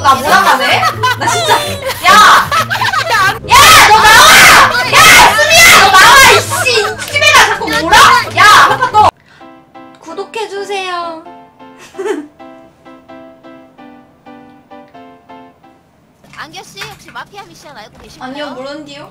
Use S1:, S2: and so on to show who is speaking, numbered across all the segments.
S1: 나 몰아가네? 나 진짜 야! 야! 너 나와! 야! 수미야! 너 나와! 이씨! 치매가 자꾸 몰아? 야! 한 판 더! 구독해주세요.
S2: 안겨씨 혹시 마피아 미션 알고 계신가요?
S1: 아니요, 모른디요.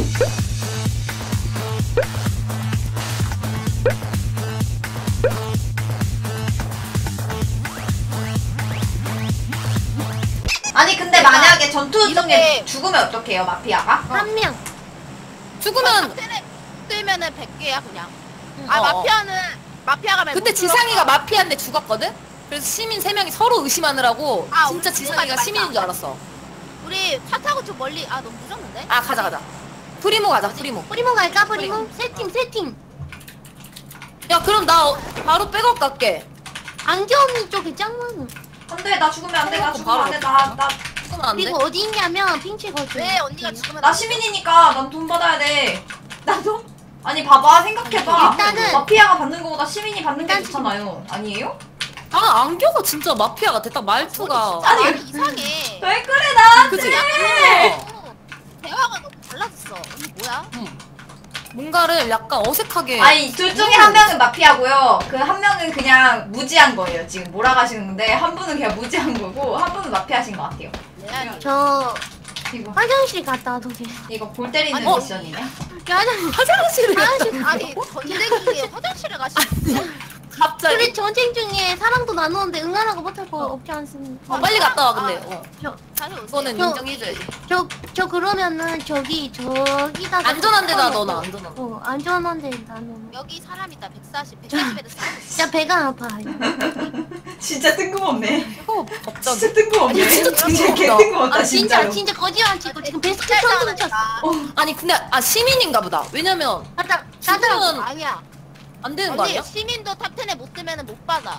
S1: 아니 근데 만약에 전투 중에 죽으면 어떡해요, 마피아가?
S2: 한 명.
S3: 죽으면
S2: 뜨면은 100개야 그냥. 마피아는 마피아가 맨
S3: 근데 지상이가 마피아인데 죽었거든? 그래서 시민 3명이 서로 의심하느라고 진짜 지상이가 시민인 줄 알았어.
S2: 우리 차 타고 좀 멀리 너무 늦었는데?
S3: 가자 프리모 가자. 프리모
S2: 갈까? 프리모? 세팅
S3: 야 그럼 나 바로 백업 갈게.
S2: 안겨 언니 쪽에 짱많아.
S1: 안돼, 나 죽으면 안돼, 나 죽으면 안돼,
S3: 죽으면 안 돼?
S2: 그리고 어디 있냐면 핑치 거지. 왜 언니가 죽으면
S1: 나 시민이니까 난 돈 받아야 돼. 나도? 아니 봐봐, 생각해봐.
S2: 일단은
S1: 마피아가 받는 거보다 시민이 받는 게
S2: 일단
S1: 좋잖아요. 아니에요?
S3: 안겨가 진짜 마피아 같아. 딱 말투가.
S2: 아니 이상해.
S1: 왜 그래 나한테?
S3: 그치?
S2: 대화가 너무 달라졌어. 언니 뭐야?
S3: 뭔가를 약간 어색하게.
S1: 아니 둘 중에 한 명은 마피아고요. 그 한 명은 그냥 무지한 거예요. 지금 몰아가시는 건데 한 분은 그냥 무지한 거고 한 분은 마피아신 것 같아요.
S2: 저
S1: 이거
S2: 화장실 갔다 와도게.
S1: 이거 골 때리는
S3: 아니,
S1: 미션이네.
S3: 화장실을
S2: 아니 전쟁 중에 화장실에 가시는
S3: 갑자기.
S2: 우리 전쟁 중에 사랑도 나누는데 응하라고 못할 거 없지 않습니까?
S3: 빨리 갔다 와 근데.
S2: 다시 오세요.
S3: 그거는 인정해줘야지.
S2: 저 그러면은 저기다가
S3: 안전한 데다 넣어놔. 안전한 데.
S2: 안전한 데다 넣어. 여기 사람 있다. 140에도 사람 있어. 진짜 배가 아파.
S1: 진짜 뜬금없네.
S3: 갑자기.
S1: 진짜 뜬금없네.
S3: 아니, 진짜 뜬금없다.
S1: 개 뜬금없다 진짜로.
S2: 진짜 거짓말 치고 지금 베스트 처음 쳤어.
S3: 아니 근데 시민인가 보다. 왜냐면
S2: 나도 아니야.
S3: 안 되는 거 아니야?
S2: 시민도 탑10에 못 뜨면은 못 받아.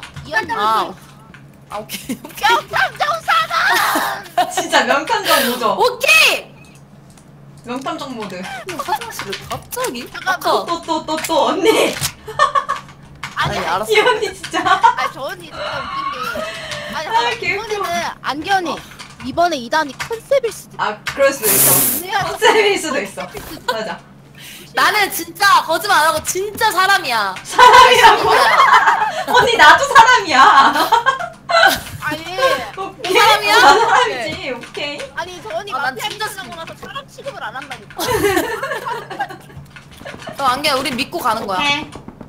S3: 오케이.
S2: 명탐정 사람.
S1: 진짜 명탐정 모드.
S3: 오케이.
S1: 명탐정 모드.
S3: 화장실을 갑자기?
S1: 또 언니.
S3: 아니 알았어.
S1: 이 언니 진짜.
S2: 저 언니 진짜 웃긴 게.
S1: 개웃겨.
S2: 언니는 안견이 이번에 2단이 컨셉일 수도 있어.
S1: 그럴 수도 있어. 컨셉일 수도 있어. 맞아.
S3: 나는 진짜 거짓말 안 하고 진짜 사람이야.
S1: 사람이라고? 언니 나도 사람이야.
S2: 아니
S1: 오케이.
S3: 사람이야?
S1: 나도 사람이지. 오케이.
S2: 아니 저 언니
S3: 난
S2: 마피아
S3: 진짜
S2: 끝나고 나서 사람 취급을 안 한다니까.
S3: 안개 우리 믿고 가는 거야.
S1: 오케이.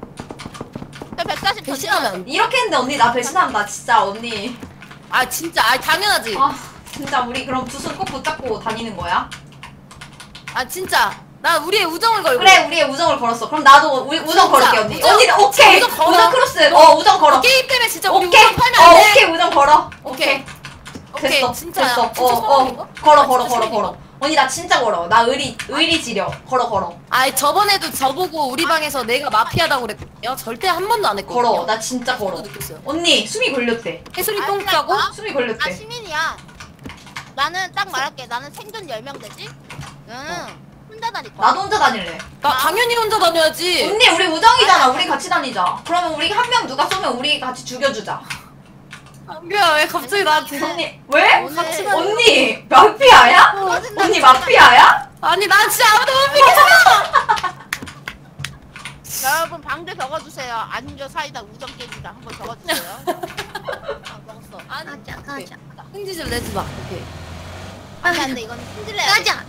S2: 140
S3: 배신하면
S1: 이렇게 했는데 언니 나 배신한다 진짜 언니.
S3: 진짜 당연하지.
S1: 진짜 우리 그럼 두 손 꼭 붙잡고 다니는 거야?
S3: 진짜 나 우리의 우정을 걸고.
S1: 그래, 우리의 우정을 걸었어. 그럼 나도 우정 걸을게 언니. 언니는 오케이.
S3: 우정 걸어?
S1: 우정 크로스. 우정 걸어.
S3: 게임 때문에 진짜 우리
S1: 오케이.
S3: 우정 팔면 안 돼.
S1: 오케이 우정 걸어.
S3: 오케이.
S1: 됐어.
S3: 진짜야.
S1: 됐어.
S3: 진짜 사람인가?
S1: 걸어. 언니 나 진짜 걸어. 나 의리 지려. 걸어.
S3: 저번에도 저보고 우리 방에서 내가 마피아다고 그랬거든요. 절대 한 번도 안 했거든요.
S1: 걸어. 나 진짜 걸어.
S3: 느꼈어요.
S1: 언니 숨이 걸렸대.
S3: 해수리 똥 싸고.
S1: 숨이 걸렸대.
S2: 시민이야. 나는 딱 말할게. 나는 생존 10명 되지? 혼자 다닐 거야.
S1: 나도 혼자 다닐래.
S3: 나 당연히 혼자 다녀야지.
S1: 언니 우리 우정이잖아. 우리 같이 다니자. 그러면 우리 한 명 누가 쏘면 우리 같이 죽여주자.
S3: 안개야 왜 갑자기 나한테.
S1: 언니 왜?
S2: 오늘-
S1: 언니 마피아야? 언니 마피아야?
S3: 아니 난 진짜 아무도 못 믿겠어.
S2: 여러분 방대 적어주세요. 안주 사이다 우정 깨지다 한번 적어주세요. 먹었어.
S3: 가자. 흥지 좀 내지 마. 오케이.
S2: 안돼 이건 힘들래.
S3: 가자.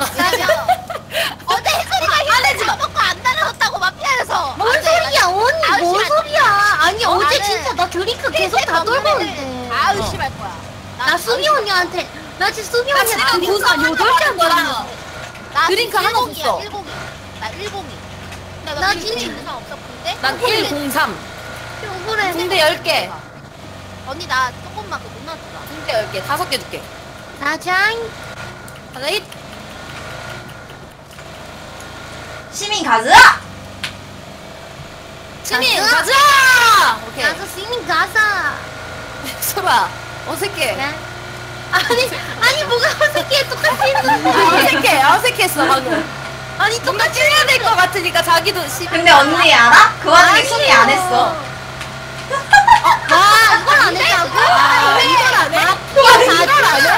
S2: 어제 혜솔이가
S3: 안 해지 마.
S2: 먹고 안 달아줬다고 마피아에서.
S4: 뭔 소리야 언니 뭔 소리야 아니 어제
S2: 나는-
S4: 진짜 나 드링크 계속 다 돌고 있는데
S2: 의심할 거야.
S4: 나 수미 언니한테 나 지금 수미
S3: 나
S4: 언니한테
S3: 지금 구상 8개 거랑
S2: 나
S3: 드링크 하나 줬어.
S2: 102. 나 102. 근데
S4: 나
S2: 진짜
S4: 진짜-
S2: 부상 없었는데?
S3: 난 103.
S4: 그래
S3: 군대 10개.
S2: 언니 나 조금만 그 못 놔주라.
S3: 군대 10개. 5개 줄게.
S4: 나장
S3: 하나 힛.
S1: 시민 가즈!
S3: 시민
S4: 가자!
S3: 가자. 오케이.
S4: 나도 수미 가사
S3: 소라 어색해.
S4: 그래 아니 뭐가 어색해 똑같이 했는데
S3: 어색했어 방금. 아니 똑같이 해야 될 것 같으니까 자기도
S1: 근데 언니 알아? 그 와중에 수미 안 했어.
S4: 와 이걸 안 했다고?
S3: 이걸 안 해?
S1: 그 와중에
S3: 이걸 안 해?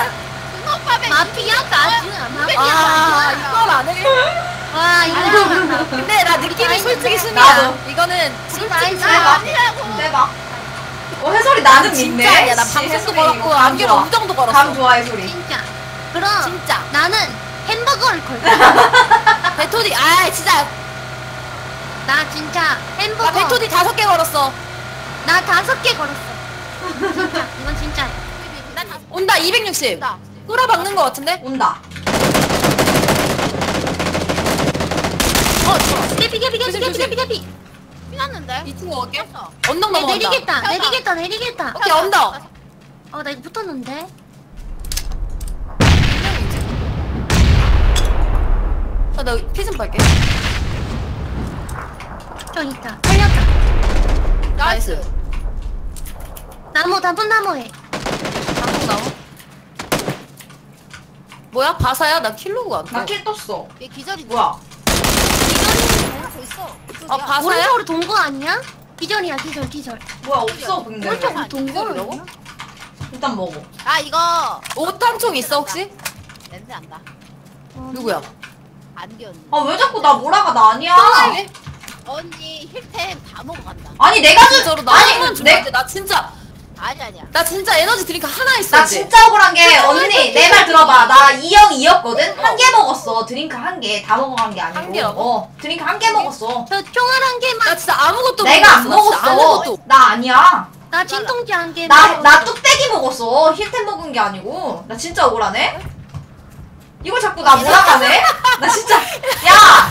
S3: 아 이건 안 해.
S4: 와 이거
S3: 근데 나 느낌이 솔직히 수미야.
S1: 나도.
S3: 이거는 솔직히
S1: 대박. 대박. 해솔이 나는
S3: 진짜
S1: 믿네.
S3: 아니야. 나
S1: 씨,
S3: 방송도
S1: 해솔이
S3: 걸었고
S1: 이거 감
S3: 안경
S1: 좋아.
S3: 우정도 걸었어.
S1: 감 좋아 해솔이.
S4: 진짜. 그럼
S3: 진짜.
S4: 나는 햄버거를 걸 거야.
S3: 베토디 아 진짜
S4: 나 진짜 햄버거.
S3: 나 베토디 5개 걸었어.
S4: 나 5개 걸었어. 진짜 이건 진짜.
S3: 온다 260.
S2: 온다.
S3: 끌어박는 거 같은데?
S1: 온다.
S4: 개피 개피 개피 개피 개피 개피.
S2: 피났는데?
S3: 2층 먹을게.
S2: 폈어.
S3: 언덕
S4: 내
S3: 넘어간다.
S4: 내리겠다 내리겠다 내리겠다.
S3: 오케이 언덕.
S4: 나 이거 붙었는데.
S3: 나 피 좀 빨게.
S4: 좀 있다. 살렸다.
S3: 나이스.
S4: 나무 나쁜 나무에.
S3: 방송 나무. 뭐야 바사야? 나 킬로가 안 떠.
S1: 나 킬 떴어.
S2: 얘 기절이
S1: 뭐야?
S2: 기절이 있어.
S3: 아 바사야?
S4: 오른쪽으로 동거 아니야? 기절이야 기절 기절.
S1: 뭐야 없어 근데.
S4: 오른쪽으로 동거를
S3: 기절이라고?
S4: 아니야?
S1: 일단 먹어.
S2: 아 이거
S3: 5탄총 있어 혹시?
S2: 냄새 난다.
S3: 누구야?
S2: 안기 언니.
S1: 아 왜 자꾸 나 몰아가 나 아니야.
S3: 이게?
S2: 언니 힐템 다 먹어간다.
S1: 아니 내가
S3: 진짜로 나
S1: 아니
S3: 한번
S1: 내
S3: 내... 나 진짜
S2: 아니야.
S3: 나 진짜 에너지 드링크 하나 있어
S1: 나
S3: 이제.
S1: 진짜 억울한 게 언니 내 말 들어봐. 나 2형 2였거든. 한 개 먹었어. 드링크 한 개. 다 먹어간 게 아니고.
S3: 한 개라고?
S1: 드링크 한 개 먹었어.
S4: 저 총알 한 개만.
S3: 나 진짜 아무것도
S1: 내가 안
S3: 못 먹었어. 나 진짜
S1: 먹었어.
S3: 아무것도.
S1: 나 아니야.
S4: 나 진통제 한 개.
S1: 나 뚝배기 먹었어. 힐템 먹은 게 아니고. 나 진짜 억울하네. 이걸 자꾸 나 몰아가네. 나 진짜. 야,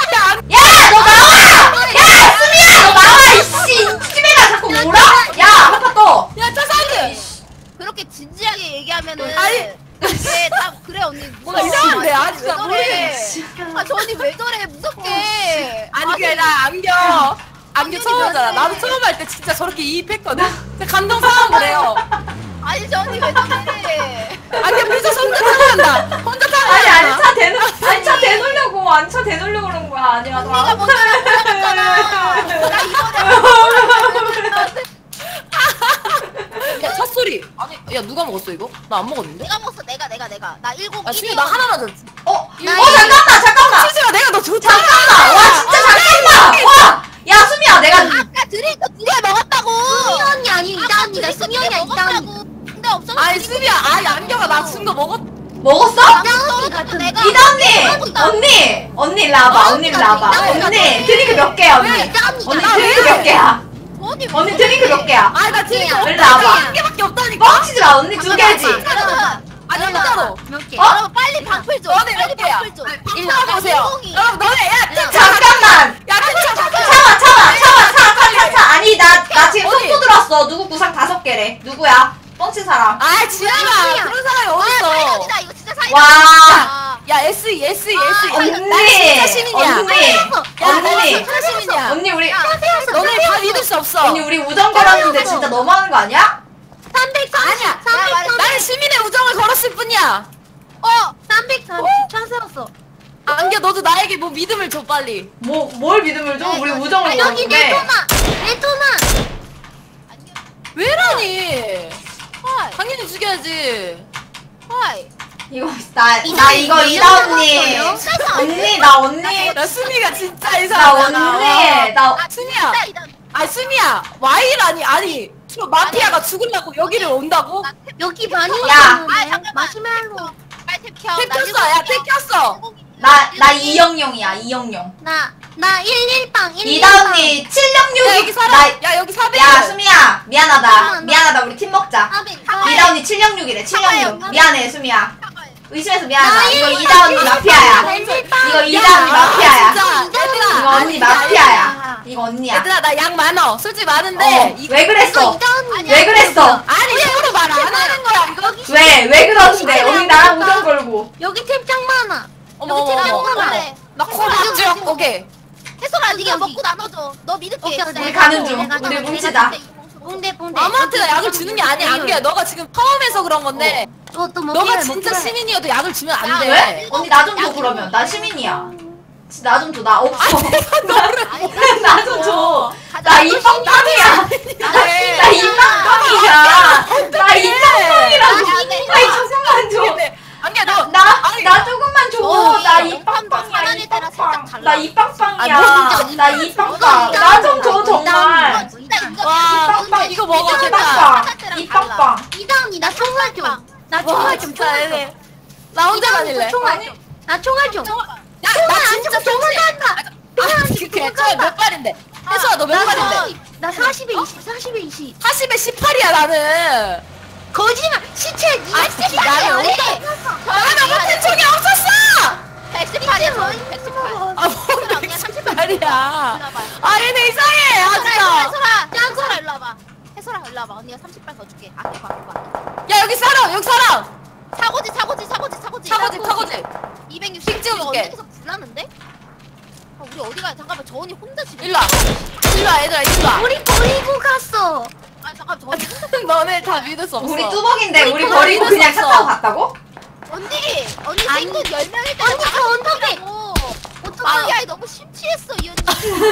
S1: 너 나와. 야, 수미야, 너 나와. 이씨, 집에가 자꾸 몰아. 야, 한파 떠.
S3: 야 짜사드.
S2: 그렇게 진지하게 얘기하면은
S3: 아니.
S2: 이게 다 그래 언니.
S3: 뭔가 이상한데, 아, 진짜
S2: 왜 저래?
S3: 모르겠어.
S2: 아 저 언니 왜 저래 무섭게.
S3: 아니 그게 나 안경 처음 하잖아. 나도 처음 할 때 진짜 저렇게 이입했거든. 근데 감동 상황 그래요.
S2: 아니 저 언니 왜 저래?
S3: 안경 비서 혼자 타고 간다. 혼자 타고
S1: 아니,
S3: 간다.
S1: 안차 대놓으려고, 안차 대놓으려고 그런 거야. 아니야, 너.
S2: 언니가 먼저 몰아갔잖아. 나 이번에
S3: 야, 첫 소리. 아니, 야 누가 먹었어 이거? 나 안 먹었는데.
S2: 내가 먹었어. 내가 나 10.
S3: 아 수미 나 하나 맞았지.
S1: 잠깐만.
S3: 수지가 내가 너 좋다.
S1: 잠깐만. 와, 진짜 잠깐만. 와. 야, 수미야, 내가.
S2: 아까 드링크 2개 먹었다고.
S4: 수미 언니 아니 이다 언니다. 수미 언니 이다 언니.
S2: 근데 없어서
S3: 아니 수미야, 아니 안경아 나 준 거 먹었.
S1: 먹었어?
S4: 이다 언니 같은.
S2: 내가
S1: 이다 언니 일로 와봐. 언니 일로 와봐. 언니, 드링크 몇 개야, 언니?
S4: 이다 언니.
S1: 언니 드링크 몇 개야? 언니 드링크 몇 개야?
S3: 아니 나 지금
S1: 일로 와봐.
S3: 한 개밖에 없다니까.
S1: 뻥치지 마, 언니 2개지.
S2: 여러분,
S3: 아니 진짜로.
S4: 몇 개?
S2: 여러분 빨리 방풀 줘.
S3: 너네
S2: 빨리
S3: 몇 개야?
S2: 방풀 줘.
S3: 방송하고 보세요. 여러분 너네 야
S1: 잠깐만.
S3: 야
S1: 참아. 아니, 나 지금
S3: 어디?
S1: 속보 들었어. 누구 구상 5개래. 누구야? 뻥친 사람.
S3: 아 지은아 그런 사람이 어딨어.
S2: 아니다 이거 진짜 사이다.
S1: 와.
S3: 야 SE
S1: 언니.
S3: 나 진짜 시민이야.
S1: 언니.
S3: 진짜 시민이야.
S1: 언니, 우리.
S3: 너네 다 믿을 수 없어.
S1: 언니, 우리 우정 걸었는데 진짜 너무하는 거 아니야?
S4: 330.
S3: 아니야.
S4: 330.
S3: 나는 시민의 우정을 걸었을 뿐이야.
S4: 330. 찬스였어.
S3: 안겨 너도 나에게 뭐 믿음을 줘 빨리.
S1: 뭘 믿음을 줘? 우리 우정을
S4: 여기 내
S1: 걸었는데.
S4: 토마. 내 토마.
S3: 왜라니?
S2: 헐.
S3: 당연히 죽여야지.
S2: 헐.
S1: 이거, 나 이거 이다 언니. 언니, 나 언니.
S3: 나 수미가 진짜
S1: 나
S3: 이상하잖아.
S1: 언니. 나.
S3: 수미야. 아니 수미야. 와이라니 아니. 저 마피아가 죽으려고 여기를 온다고?
S4: 여기 많이
S1: 야.
S4: 있었는데. 마시멜로.
S2: 빨리 켜.
S3: 탭 켰어. 야 탭 켰어.
S1: 나 이영영이야, 이영영.
S4: 나 118.
S1: 이다 언니,
S3: 야
S1: 766.
S3: 여기 사람. 야 여기 400.
S1: 야, 수미야. 미안하다.
S4: 잠깐만,
S1: 미안하다. 우리 팀 먹자. 이다 언니 766이래, 766. 미안해, 수미야. 의심해서 미안하다. 이거 이다 언니 마피아야. 이거 이다 언니 마피아야.
S3: 진짜. 얘들아.
S1: 이거 언니 마피아야. 이거 언니야.
S3: 얘들아 나 양 많어. 솔직히 많은데.
S1: 왜 그랬어?
S4: 이다 언니.
S1: 왜 그랬어?
S3: 아니 서로 말 안 하는 거야 이거.
S1: 왜 그러는데? 언니 나랑 우정 걸고.
S4: 여기 템짱 많아.
S3: 어머
S4: 여기
S3: 어머
S4: 템짱
S3: 어머.
S4: 많아.
S3: 나 코박지역 오케이.
S2: 해솔아
S4: 여기,
S2: 네가
S4: 여기.
S2: 먹고 나눠줘. 너 믿을게.
S4: 오케이,
S2: 진짜.
S1: 우리
S4: 내가
S1: 가는
S4: 또,
S1: 중.
S4: 내가
S1: 우리
S4: 또,
S1: 뭉치자.
S4: 봉대.
S3: 아무한테나 약을 주는 게 아니야 안겨야. 너가 지금 처음에서 그런 건데.
S4: 또
S3: 너가 진짜 시민이어도 약을 주면 안 돼.
S1: 왜? 언니 나 좀 줘 그러면. 나 시민이야. 나 좀 줘. 나 없어.
S2: 아니,
S1: 나 좀 줘.
S2: 가자.
S1: 나 이빵빵이야. 나 이빵빵이야. 나 이빵빵이라고. 아니 잠깐만 줘.
S3: 안겨야 너.
S1: 나 조금만 줘. 나 이빵빵이야.
S3: 아,
S1: 나 이빵빵. 나 좀 줘 정말.
S3: 와 이거 먹어 됐다.
S1: 이빵빵.
S4: 이다은이 나 총알 좀. 나
S3: 와
S4: 총알 좀.
S3: 진짜
S4: 총알 좀.
S3: 얘네. 나 혼자 다닐래.
S4: 총알 좀. 나 총알 좀.
S3: 나 진짜
S4: 총알 간다.
S3: 그래 몇 발인데? 혜수야 너 몇 발인데?
S4: 나 40에 20. 40에 20.
S3: 40에 18이야 나는.
S4: 거짓말. 시체 니가
S3: 나를
S4: 시체야.
S3: 나 못한 적이 없었어.
S2: 118이야 저는 118.
S3: 아, 뭐 118이야. 아, 얘네 이상해. 아, 진짜.
S2: 해설아 일로 와봐. 해설아 일로 와봐. 언니가 30발 더 줄게. 아껴봐.
S3: 야, 여기 사람.
S2: 사고지.
S3: 차고지.
S2: 260
S3: 찍어줄게.
S2: 언니께서 불나는데? 아, 우리 어디 가요? 잠깐만 저 언니 혼자 지금.
S3: 일로 와, 얘들아, 일로 와.
S4: 우리 버리고 갔어.
S2: 아 잠깐 저 언니
S3: 너네 다 믿을 수 없어.
S1: 우리 뚜벅인데 우리
S3: 우리
S1: 버리고
S3: 버리고
S1: 그냥 차
S3: 있었어.
S1: 타고 갔다고?
S2: 언니
S4: 아니,
S2: 생존 10명일 때
S4: 언니 저 언덕에.
S2: 마피아이 너무 심취했어 이 언니.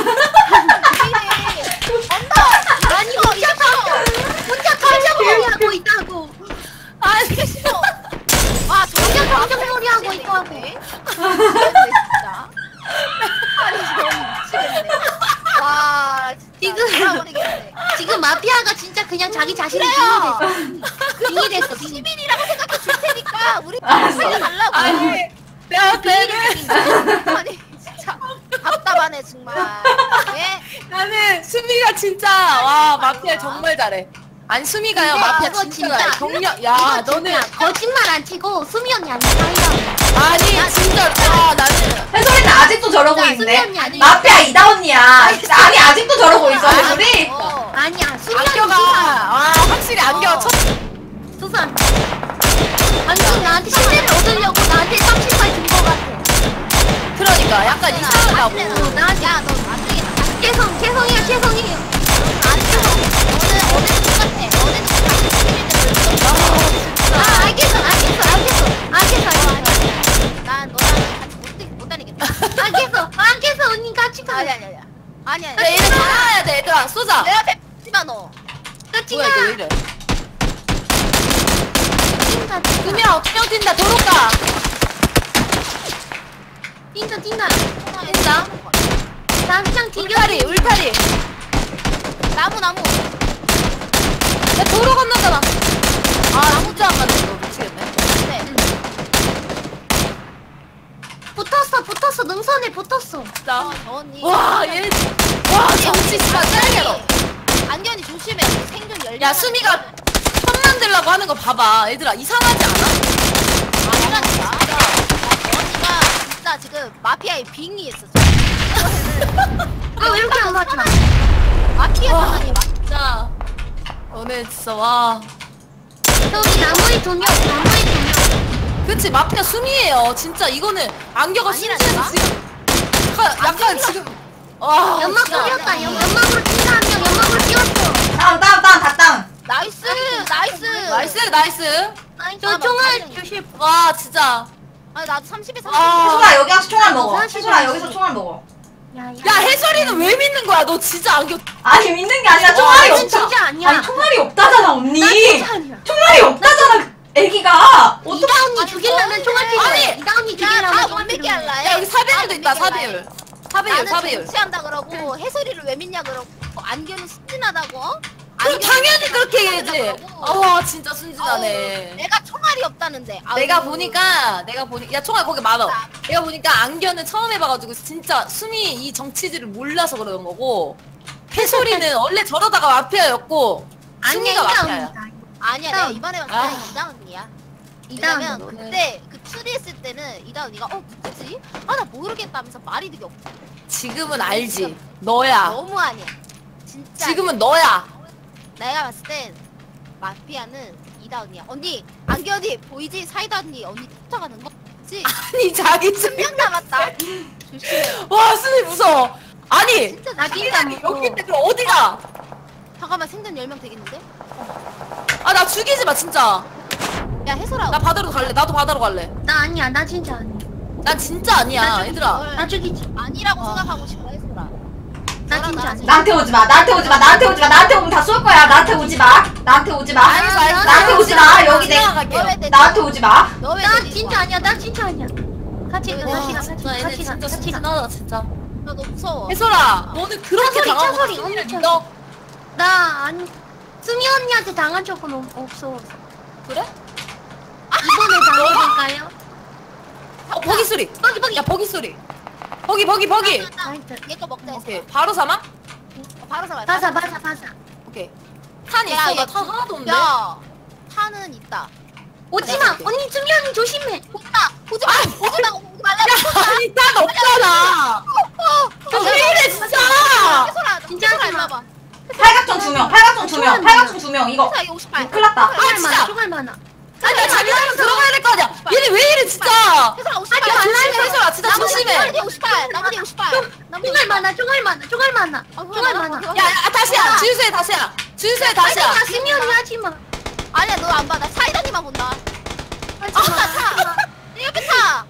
S2: 언더
S4: 아니 혼자 털려머리 하고 있다고.
S3: 아니,
S2: 싫어. 와
S4: 혼자 털려머리 하고 있다고.
S2: 진짜. 아니 너무 미치겠네. 와 진짜
S4: 지금-
S2: 돌아버리겠네.
S4: 지금 마피아가 진짜 그냥 자기 자신이
S2: 그래요.
S4: 빙이 됐어. 빙이.
S2: 시민이라고 생각해 줄 테니까 우리
S1: 알았어.
S2: 살려달라고.
S3: 아니, 내가 걔를.
S2: 아니 진짜 답답하네 정말. 예?
S3: 나는 수미가 진짜, 와, 마피아 정말 잘해. 아니, 수미가요,
S4: 근데
S3: 마피아
S4: 그거
S3: 진짜 잘해. 경력, 야,
S4: 이거
S3: 너는.
S4: 진짜 거짓말 안 치고 수미 언니 아니야 사이다.
S3: 아니, 진짜, 와, 나는.
S1: 해솔이는 아직도 저러고
S4: 야,
S1: 있네.
S4: 수미 언니 아니야.
S1: 마피아 이다언니야. 아니 아직도 저러고 있어 해솔이.
S2: 어.
S4: 아니야 수미 언니
S3: 안겨가. 와, 확실히 안겨가 첫.
S4: 수산. 완전 나한테 실제를 얻으려고 나한테 30발 준 거 같아.
S3: 그러니까, 약간 이상하다고.
S4: 나한테
S2: 야너 안되겠다.
S4: 죄송해요.
S2: 너는 어제 똑같아. 어제도
S4: 아 알겠어.
S2: 난 너랑 같이 못 다니겠다.
S4: 알겠어 언니 같이 가.
S2: 아니야.
S3: 야, 얘네 전화해야 돼, 얘들아. 쏘자.
S2: 내 앞에 지마 너.
S4: 같이
S3: 뭐야,
S4: 가.
S3: 이거 왜 이래? 두 명 뛴다, 도로가.
S4: 뛴다.
S3: 뛴다.
S4: 나 그냥 뒤져.
S3: 울타리.
S2: 나무.
S3: 야, 도로 건너잖아. 아, 진짜 안 맞네. 이거 미치겠네.
S2: 네.
S4: 붙었어. 능선에 붙었어.
S3: 진짜.
S2: 저 언니.
S3: 와, 얘. 와, 정치 씨발 짤개로.
S2: 안견이 조심해. 생존 10명.
S3: 야, 수미가 편 만들려고 하는 거 봐봐. 얘들아, 이상하지 않아?
S2: 아니라니까. 언니가 진짜 지금 마피아의 빙이 있어.
S4: 왜 이렇게 안 맞아?
S2: 마피아
S3: 와.
S2: 상황이
S3: 진짜. 오늘 진짜, 와.
S4: 저기 나무에 두 명.
S3: 그치, 마피아 수미예요. 진짜, 이거는 안겨가
S2: 아니라니까?
S3: 심지어 지금. 약간 지금. 와.
S4: 연막
S3: 진짜.
S4: 뿌렸다. 연막으로 뛴다 한 명. 연막으로 뛰었어.
S1: 다운 다 다운.
S2: 나이스.
S3: 나이스.
S4: 저 총알 조심.
S3: 와, 진짜.
S2: 아니 나도 30에 30.
S3: 아.
S1: 해솔아 여기 와서 총알 먹어.
S4: 사실
S1: 해솔아 여기서 총알 먹어.
S3: 야, 해설이는 왜 믿는 거야? 너 진짜 안겨.
S1: 아니 믿는 게 아니라 총알이
S4: 이건
S1: 없다.
S4: 진짜 아니야.
S1: 아니 총알이 없다잖아 언니.
S4: 나 진짜 아니야.
S1: 총알이 없다잖아 애기가.
S4: 이다 언니 죽이려면 총알 필요해.
S3: 아니,
S4: 이다 언니
S2: 야다
S4: 죽이려면
S2: 못 믿게 할라.
S3: 야, 여기 4배율도 있다, 4배율. 4배율.
S2: 나는 정치한다 그러고 해설이를 왜 믿냐 그러고 안견은 순진하다고?
S3: 그럼 당연히 그렇게 해야지.
S2: 어.
S3: 와, 진짜 순진하네.
S2: 내가 총알이 없다는데. 아우.
S3: 내가 보니까 야, 총알 거기 많아. 내가 보니까 안견을 처음 해봐가지고 진짜 수미 이 정치질을 몰라서 그런 거고, 해솔이는 원래 저러다가 마피아였고 수미가 마피아야.
S2: 아니야 내가 이번에 봤을
S3: 아.
S2: 때는 이다 언니야.
S4: 이다
S2: 왜냐면
S4: 언니.
S2: 그때 그 추리했을 때는 이다 언니가 누구지? 아 나 모르겠다면서 말이 되게 없어.
S3: 지금은 알지. 너야.
S2: 너무 아니야. 진짜.
S3: 지금은 너야.
S2: 내가 봤을 땐 마피아는 이다 언니야. 언니 안겨 언니 보이지? 사이다 언니 쫓아가는 거? 그치?
S3: 아니, 자기 좀.
S2: 10명 남았다. 조심해.
S3: 와, 수미 무서워. 아니,
S2: 진짜
S4: 나
S2: 조심해.
S4: 진짜
S3: 자기장이 여기인데 그럼 어디가?
S2: 잠깐만 생존 10명 되겠는데?
S3: 아, 나 죽이지 마, 진짜.
S2: 야 해설아.
S3: 나 바다로 갈래. 나도 바다로 갈래.
S4: 나 아니야. 나 진짜 아니야.
S3: 난 진짜 아니야, 얘들아.
S4: 나 죽이지.
S2: 아니라고 생각하고 싶어 해설아.
S4: 나 진짜 아니야.
S1: 나한테 오지 마. 나한테 오면 다 쏠 거야. 나한테 오지 마.
S3: 알겠어, 알겠어.
S1: 나한테 오지 마. 여기 내
S3: 갈게요.
S1: 나한테 오지 마.
S2: 너왜
S4: 나 진짜 아니야. 나 진짜 아니야. 같이 가,
S3: 와
S4: 같이 가,
S3: 진짜 얘네
S4: 같이 가,
S3: 진짜
S4: 같이 가.
S3: 순진하다 진짜.
S2: 나 너무 무서워.
S3: 혜솔아 너는 그렇게
S4: 차소리,
S3: 당하고
S4: 차소리,
S3: 승민이를
S4: 엄청.
S3: 믿어?
S4: 나 아니 수미 언니한테 당한 적은 없어.
S3: 그래?
S4: 이번에 당해볼까요?
S3: 버기 소리.
S4: 버기 버기.
S3: 야 버기 소리. 버기.
S4: 나이스.
S2: 얘거 먹자 했어.
S3: 오케이 바로 사망?
S2: 바로 사와.
S4: 바사.
S3: 오케이. 탄
S2: 야,
S3: 있어?
S2: 얘
S3: 나 탄 하나도 없는데?
S2: 야, 탄은 있다.
S4: 오지마.
S3: 오케이.
S4: 언니 수미 언니 조심해.
S2: 오지마, 오지마, 오지마, 오지 말라.
S3: 아니 탄 없잖아. 왜 이래 진짜?
S2: 해솔아,
S4: 진짜
S2: 해솔아,
S4: 하지 마.
S2: 일로 와봐.
S1: 팔각정 2명, 팔각정 2명, 팔각정 2명. 이거
S2: 해솔아, 이거 58.
S1: 큰일 났다.
S4: 총알
S3: 진짜.
S4: 많아. 총알 많아.
S3: 아니 나 자기 사람 들어가야 될 거 아니야. 얘네 왜 이래 진짜?
S2: 해솔아, 58.
S3: 야 조심해 혜솔아 진짜 조심해.
S2: 나머지 58. 나머지 58.
S4: 총알 많아. 총알 많아. 총알 많아. 총알 많아.
S3: 야 다시야 주유소에 다시야. 주유소에 다시야.
S4: 하지마. 수미 언니 하지마.
S2: 아니야, 너 안 봐. 나 사이다니만 본다.
S4: 하지마.
S2: 타. 내 옆에 타.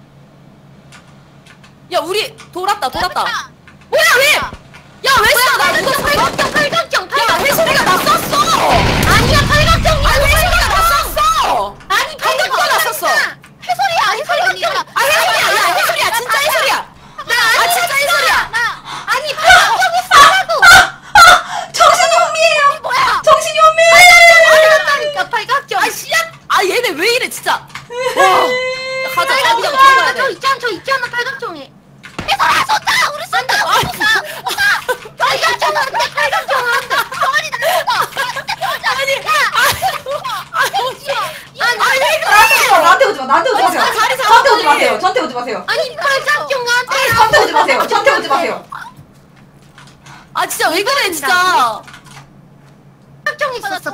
S3: 야 우리 돌았다.
S2: 내 옆에 타.
S3: 뭐야 왜? 야왜 써? 나 이거
S4: 팔각정 팔각정
S3: 야
S4: 팔각정.
S3: 혜솔이가 나 썼어.
S4: 아니야 팔각정이야.
S3: 아니 혜솔이가 나 썼어.
S4: 아니
S3: 누가 나 썼어?
S2: 해솔이야, 해솔이 언니가.
S3: 아 혜솔이야 야 혜솔이야 진짜 혜솔이야. 아 진짜 혜솔이야.
S2: 나.
S4: 아니 팔각정이 싸라고.
S1: 정신이 혼미해요.
S2: 뭐야?
S1: 정신이 혼미해.
S4: 팔각정이니까 팔각정.
S3: 아 씨야. 아 얘네 왜 이래 진짜. 와. 야, 가자 자기장
S4: 팔각정.
S3: 들어가야
S4: 저
S3: 돼.
S4: 있잖아. 저 있잖아. 팔각정에.
S2: 해솔아, 쏜다. 우리 쏜다. 우리 쏜다.
S4: 팔각정 안 돼. 팔각정 안 돼.
S2: 정원이 나
S1: 나한테 오지 마. 나한테 오지 마세요.
S3: 자리 잡아,
S1: 저한테 오지
S3: 빨리.
S1: 마세요. 저한테 오지 마세요.
S4: 아니 팔각정 안 돼.
S1: 저한테 오지 마세요. 저한테 오지 마세요.
S3: 아 진짜 왜 그래 진짜.
S4: 팔각정 있었어.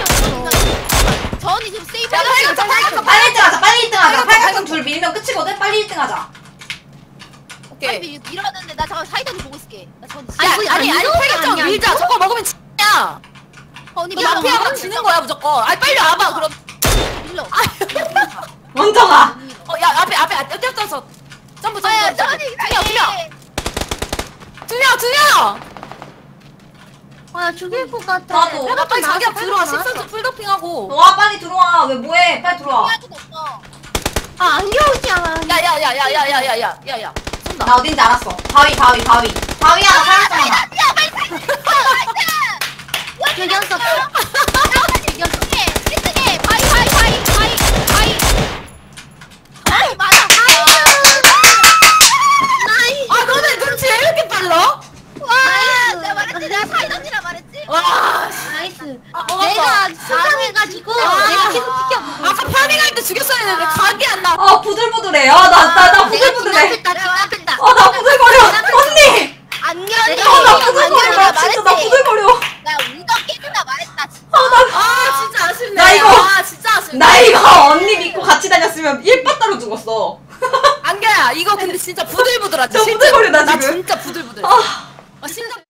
S2: 저언니 지금 세이브
S3: 야,
S2: 해가지고
S3: 팔각정,
S1: 빨리 1등 하자. 빨리 1등 하자.
S3: 팔각정,
S1: 팔각정 둘 밀면 끝이거든. 빨리 1등 하자.
S3: 오케이.
S2: 밀어야 되는데 나 잠깐 사이다니 보고 있을게. 나 저언니
S3: 아니 팔각정
S4: 아니야,
S3: 밀자.
S4: 이거?
S3: 저거 먹으면 진짜.
S2: 언니
S3: 너 마피아가 지는 거야 무조건. 아니 빨리 와봐 그럼.
S2: 밀러.
S1: 먼저 가.
S3: 야 앞에 뛰어서 점프.
S2: 아야 저언니
S3: 두 명.
S4: 아 죽일 것 같아.
S1: 나도.
S3: 야 빨리 자기야
S4: 나왔어,
S3: 들어와.
S4: 나왔어.
S3: 10선수 풀더핑하고.
S1: 와 빨리 들어와. 왜 뭐해? 빨리 들어와.
S4: 아 안겨오지 않아.
S3: 야야야야야야야야야. 쏜다.
S1: 나 어딘지 알았어. 바위 하나 팔각정 하나.
S4: 죽였어.
S3: 아 너네 눈치 왜 이렇게 빨라? 와.
S4: 나이스.
S3: 아, 먹었어.
S4: 내가 수상해가지고 내가 계속 지켜보고.
S3: 아까 파밍할 때 죽였어야 했는데 각이 안 나.
S1: 아 부들부들해. 나 부들부들해.
S4: 진압했다.
S1: 나 부들거려. 언니. 나 부들거려. 나 진짜 나 부들거려.
S3: 아 진짜 아쉽네.
S1: 나 이거-
S3: 아 진짜 아쉽네.
S1: 나 이거 언니 믿고 같이 다녔으면 1빠따로 죽었어.
S3: 안겨야 이거 근데 진짜 부들부들하지.
S1: 저 부들거려, 나
S3: 나
S1: 지금.
S3: 진짜 부들부들.
S1: 아.
S3: 심장.